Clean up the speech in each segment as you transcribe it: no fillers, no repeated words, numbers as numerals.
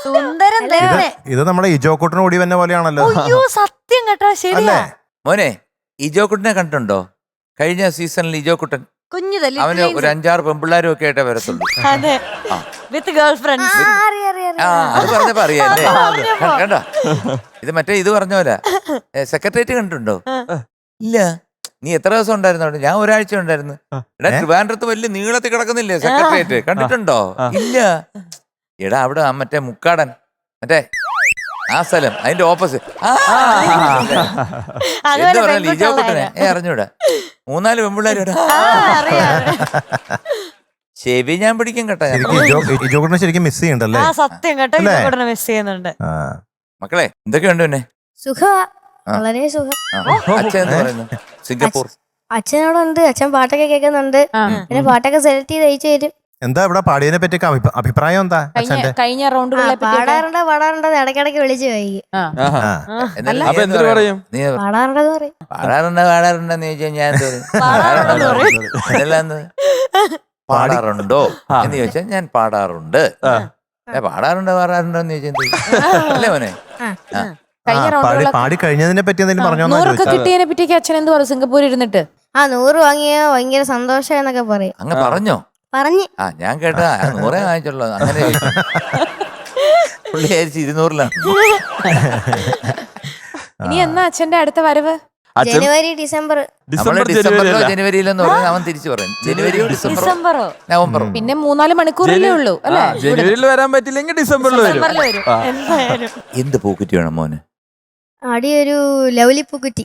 സുന്ദരം തന്നെ. ഇത് നമ്മുടെ ഇജോക്കുട്ടന് ഓടി വന്ന പോലെയാണല്ലോ. അയ്യോ സത്യം കേട്ടോ, ശരിയാ. മോനെ ഇജോക്കുട്ടനെ കണ്ടിട്ടുണ്ടോ? കഴിഞ്ഞ സീസണിൽ ഇജോക്കുട്ടൻ കുഞ്ഞിതല്ലേ അവന് ഒരു 5-6 പെമ്പിള്ളാരും ഒക്കെ ആയിട്ടേ വരത്തുള്ളൂ. അതെ, വിത്ത് ഗേൾ ഫ്രണ്ട്സ്. അത് പറഞ്ഞപ്പോ അറിയാല്ലേ? കണ്ടോ? ഇത് മറ്റേ ഇത് പറഞ്ഞ പോലെ സെക്രട്ടേറിയറ്റ് കണ്ടിട്ടുണ്ടോ? ഇല്ല. നീ എത്ര ദിവസം ഉണ്ടായിരുന്നു? ഞാൻ ഒരാഴ്ച ഉണ്ടായിരുന്നു. എടാ ട്രിവാൻഡ്രത്ത് വലിയ നീളത്തിൽ കിടക്കുന്നില്ലേ സെക്രട്ടേറിയറ്റ്? കണ്ടിട്ടുണ്ടോ? ഇല്ല. എടാ അവിടെ മറ്റേ മുക്കാടൻ മറ്റേ ആ സ്ഥലം അതിന്റെ ഓപ്പോസിറ്റ്. എന്ത് പറഞ്ഞാൽ ഇജോക്കുട്ടനെ അറിഞ്ഞൂടാ. 4-5 പെമ്പിള്ളേരും ചെവി ഞാൻ പിടിക്കും കേട്ടോ. ഇജോക്കുട്ടനെ ശരിക്കും മിസ് ചെയ്യണ്ടല്ലേ? സത്യം കേട്ടോ, ഇജോക്കുട്ടനെ മിസ് ചെയ്യുന്നുണ്ട്. മക്കളെ എന്തൊക്കെയുണ്ട് പിന്നെ? സുഖമാ, വളരെ സുഖം. അച്ഛൻ എന്ന് പറയുന്നു സിംഗപ്പൂർ. അച്ഛനോടുണ്ട്, അച്ഛൻ പാട്ടൊക്കെ കേൾക്കുന്നുണ്ട്. പിന്നെ പാട്ടൊക്കെ സെലക്ട് ചെയ്ത് അയച്ചു തരും. എന്താ ഇവിടെ പാടിയതിനെ പറ്റി അഭിപ്രായം എന്താ? കഴിഞ്ഞ റൗണ്ടുകളെ പാടാറുണ്ട് ഇടയ്ക്കിടയ്ക്ക് വിളിച്ചു പോയി. എന്ത് പറയും? പാടാറുണ്ടെന്ന് പറയും. പാടാറുണ്ടെന്ന് ചോദിച്ചാൽ ഞാൻ പാടാറുണ്ടോ എന്ന് ചോദിച്ചാൽ ഞാൻ പാടാറുണ്ട്. പാടാറുണ്ടോന്ന് ചോദിച്ചാൽ അല്ലേ മോനെ? പാടി കഴിഞ്ഞതിനെ പറ്റി എന്തെങ്കിലും പറഞ്ഞോ? 100 കിട്ടിയതിനെ പറ്റിയൊക്കെ അച്ഛൻ എന്ത് പറയും സിംഗപ്പൂരിൽ ഇരുന്നിട്ട്? 100 വാങ്ങിയ ഭയങ്കര സന്തോഷം എന്നൊക്കെ പറയും. അങ്ങ് പറഞ്ഞോ? പറഞ്ഞു. ഞാൻ കേട്ടാ 100 വാങ്ങിച്ചുള്ളൂ. അങ്ങനെ പുള്ളി 200-ലാണ്. ഇനി എന്നാ അച്ഛന്റെ അടുത്ത വരവ്? ജനുവരി ഡിസംബർ. ഡിസംബറിലോ ജനുവരിയിലെന്ന് പറഞ്ഞാൽ അവൻ തിരിച്ചു പറയും. ജനുവരിയോ ഡിസംബറോ നവംബറോ. പിന്നെ 3-4 മണിക്കൂറല്ലേ ഉള്ളൂ അല്ലേ? ജനുവരിയിൽ വരാൻ പറ്റില്ലെങ്കിൽ ഡിസംബറിൽ വരും. എന്ത് പൂക്കുറ്റി വേണം മോന്? അടിയൊരു ലവ്ലി പൂക്കുറ്റി.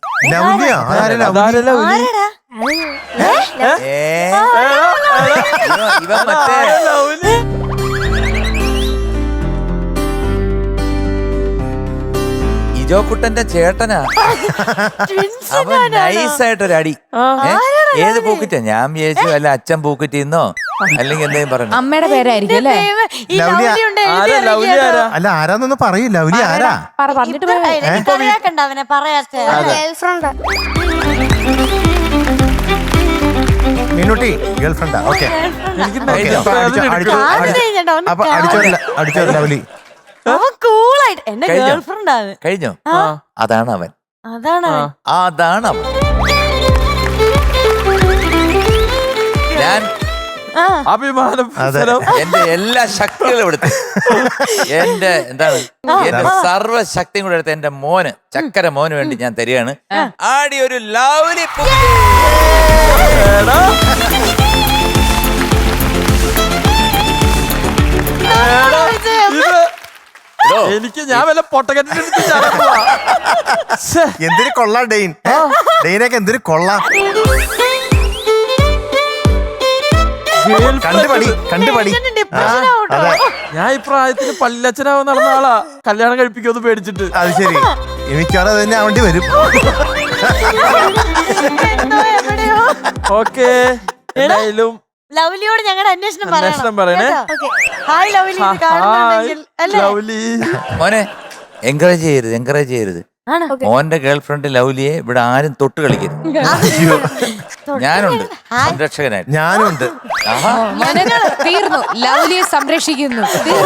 ഇവ മറ്റേ ഇജോക്കുട്ടന്റെ ചേട്ടനാ. അവൻ നൈസായിട്ടൊരു അടി. ഏത് പൂക്കുറ്റിയാ? ഞാൻ വിചാരിച്ചു അല്ല അച്ഛൻ പൂക്കുറ്റിന്നോ അല്ലെങ്കിൽ എന്തെങ്കിലും പറഞ്ഞു. അമ്മയുടെ പേരായിരിക്കും അല്ലേ? അല്ല ആരാന്നൊന്നും പറയൂ. ലവ്ലി ആരാ? അവനെ പറയാത്ത മീനുട്ടി ഗേൾ ഫ്രണ്ടാ? ഓക്കെ, അടിച്ചോ ലവ്ലി. കൂളായിട്ട് എന്റെ ഗേൾ ഫ്രണ്ട് ആണ്. കഴിഞ്ഞോ? അതാണ് അവൻ. അതാണ് അവൻ. ഞാൻ അഭിമാനം. എന്റെ എല്ലാ ശക്തികളും എടുത്ത് എന്റെ സർവ്വശക്തിയും കൂടെ എടുത്ത് എന്റെ മോന് ചക്കര മോന് വേണ്ടി ഞാൻ തരികയാണ്. ആടി ഒരു ലവ്ലി എനിക്ക് ഞാൻ വല്ല പൊട്ടക്കെട്ടിന് എന്തിനു കൊള്ളാം ഡെയിൻ. ഡെയിനൊക്കെ എന്തിനു കൊള്ളാം. കണ്ടുപടി. ഞാൻ ഈ പ്രായത്തിന് പല്ലച്ചനാവാൻ നടന്ന ആളാ. കല്യാണം കഴിപ്പിക്കുമെന്ന് പേടിച്ചിട്ട്. അത് ശരി, എനിക്കത് തന്നെ ആവേണ്ടി വരും. ഓക്കെ, എന്തായാലും ലവ്ലിയോട് ഞങ്ങളുടെ അന്വേഷണം പറയണേ. Hi lovely. മോനെ എൻകറേജ് ചെയ്യരുത്. മോന്റെ ഗേൾഫ്രണ്ട് ലവ്ലിയെ ഇവിടെ ആരും തൊട്ട് കളിക്കരുത്. ഞാനുണ്ട് സംരക്ഷകനായിട്ട്. ഞാനുണ്ട്. തീർന്നു, ലവ്ലിയെ സംരക്ഷിക്കുന്നു.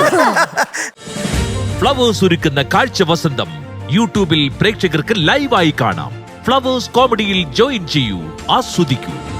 ഫ്ലവേഴ്സ് ഒരുക്കുന്ന കാഴ്ച വസന്തം യൂട്യൂബിൽ പ്രേക്ഷകർക്ക് ലൈവായി കാണാം. ഫ്ലവേഴ്സ് കോമഡിയിൽ ജോയിൻ ചെയ്യൂ, ആസ്വദിക്കൂ.